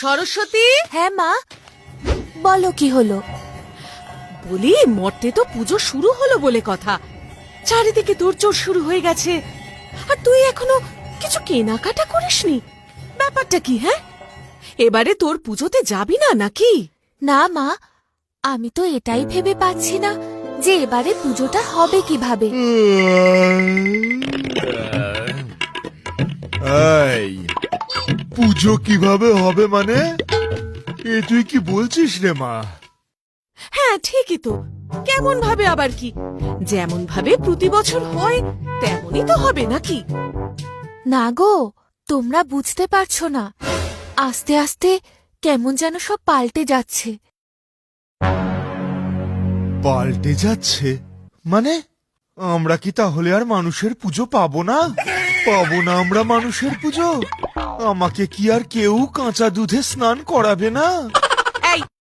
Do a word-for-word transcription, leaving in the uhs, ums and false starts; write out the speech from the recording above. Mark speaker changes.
Speaker 1: সরস্বতী,
Speaker 2: হ্যাঁ মা, বলো কি হলো?
Speaker 1: বলি মর্তে তো পুজো শুরু হলো বলে কথা, চারিদিকে তোড়জোড় শুরু হয়ে গেছে, আর তুই এখনো কিছু কেনাকাটা করিসনি। ব্যাপারটা কি? হ্যাঁ, এবারে তোর পুজোতে যাবি না নাকি?
Speaker 2: না মা, আমি তো এটাই ভেবে পাচ্ছি না যে এবারে পুজোটা হবে কিভাবে।
Speaker 3: এই পুজো কিভাবে হবে মানে? এ তুই কি বলছিস রে মা?
Speaker 1: হ্যাঁ ঠিকই তো, কেমন ভাবে আবার কি? যেমন ভাবে প্রতি বছর হয় তেমনই তো হবে নাকি?
Speaker 2: না গো, তোমরা বুঝতে পারছো না, আস্তে আস্তে কেমন যেন সব পাল্টে যাচ্ছে।
Speaker 3: পাল্টে যাচ্ছে মানে? আমরা কি তাহলে আর মানুষের পুজো পাবো না? পাবো না আমরা মানুষের পুজো? আমাকে কি আর কেউ কাঁচা দুধে স্নান করাবে না?
Speaker 1: এই